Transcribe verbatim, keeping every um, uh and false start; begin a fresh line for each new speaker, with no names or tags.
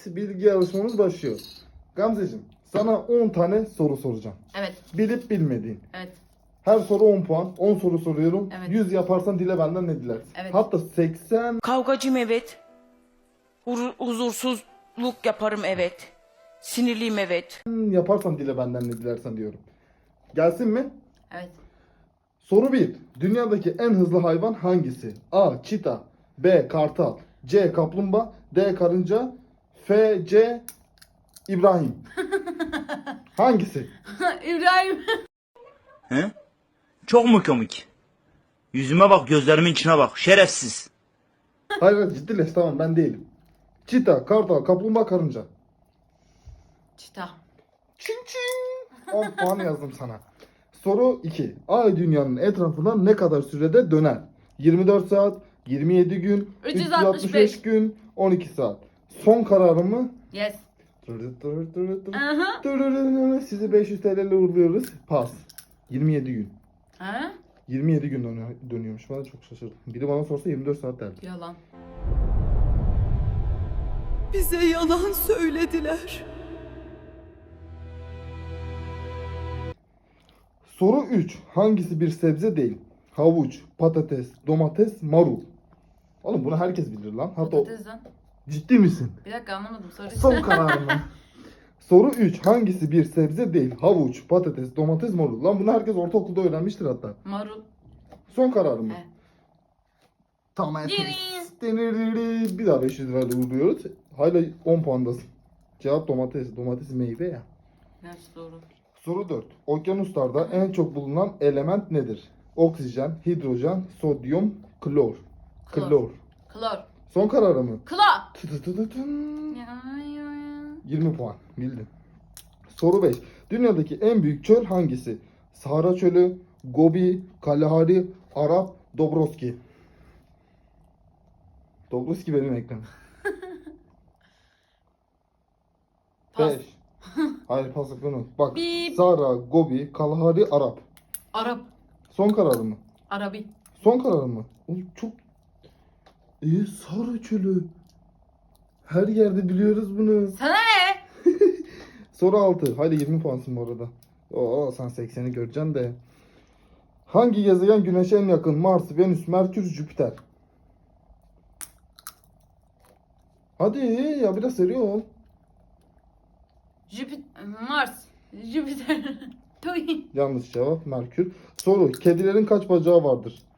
bilgi yarışmamız başlıyor. Gamzeciğim, sana on tane soru soracağım.
Evet.
Bilip bilmediğin.
Evet.
Her soru on puan. on soru soruyorum.
Evet.
yüz yaparsan dile benden ne dilersin?
Evet.
Hatta seksen
Kavgacıyım evet. Hur- huzursuzluk yaparım evet. Sinirliyim evet.
yaparsan dile benden ne dilersen diyorum. Gelsin mi?
Evet.
Soru bir. Dünyadaki en hızlı hayvan hangisi? A. Çita, B. Kartal, C. Kaplumbağa, D. Karınca, F. C. İbrahim. Hangisi?
İbrahim.
He? Çok mu komik? Yüzüme bak, gözlerimin içine bak. Şerefsiz.
Hayır hayır, ciddileş, tamam, ben değilim. Çita, kartal, kaplumbağa, karınca.
Çita.
Çin çin. on puan yazdım sana. Soru iki. Ay dünyanın etrafından ne kadar sürede döner? yirmi dört saat, yirmi yedi gün,
üç
üç
yüz
yüz
altmış
altmış
beş
beş gün, on iki saat. Son kararım mı?
Yes.
Tırı tırı tırı tırı.
Aha.
Tırırırırı. Sizi beş yüz T L ile uğurluyoruz. Pas. yirmi yedi gün.
Ha?
yirmi yedi gün dönüyor, dönüyormuş. Ben de çok şaşırdım. Biri bana sorsa yirmi dört saat derdi.
Yalan.
Bize yalan söylediler.
Soru üç. Hangisi bir sebze değil? Havuç, patates, domates, marul. Oğlum bunu herkes bilir lan. Hatta o-
Patates lan.
ciddi misin?
Bir dakika anlamadım. Soru
Son kararım mı? Soru üç. Hangisi bir sebze değil? Havuç, patates, domates, marul. Lan bunu herkes ortaokulda öğrenmiştir hatta.
Marul.
Son kararım mı?
He.
Tamam.
Yürü.
Bir daha beş yüz lirayla uğurluyoruz. Hala on puandasın. Cevap domates. Domates meyve ya.
Gerçi doğru.
Soru dört. Okyanuslarda en çok bulunan element nedir? Oksijen, hidrojen, sodyum, klor.
Klor.
Klor.
Klor.
Son kararı mı?
Klor.
Tı tı tı tı tın.
Ya, ya, ya.
yirmi puan. Bildin. Soru beş. Dünyadaki en büyük çöl hangisi? Sahara Çölü, Gobi, Kalahari, Arap, Dobrovski. Dobrovski benim ekranım.
Pas.
beş. Hayır, pas hakkını. Bak.
Bip.
Sahara, Gobi, Kalahari, Arap.
Arap.
Son kararı mı?
Arabi.
Son kararı mı? Oğlum çok... Ee, Sahara Çölü. Her yerde biliyoruz bunu.
Sana ne?
Soru altı. Haydi yirmi puansın bu arada. Oo, sen sekseni göreceksin de. Hangi gezegen Güneş'e en yakın? Mars, Venüs, Merkür, Jüpiter. Hadi ya, biraz seri ol.
Jüpiter. Mars. Jüpiter. Tuy.
Yanlış cevap Merkür. Soru. Kedilerin kaç bacağı vardır?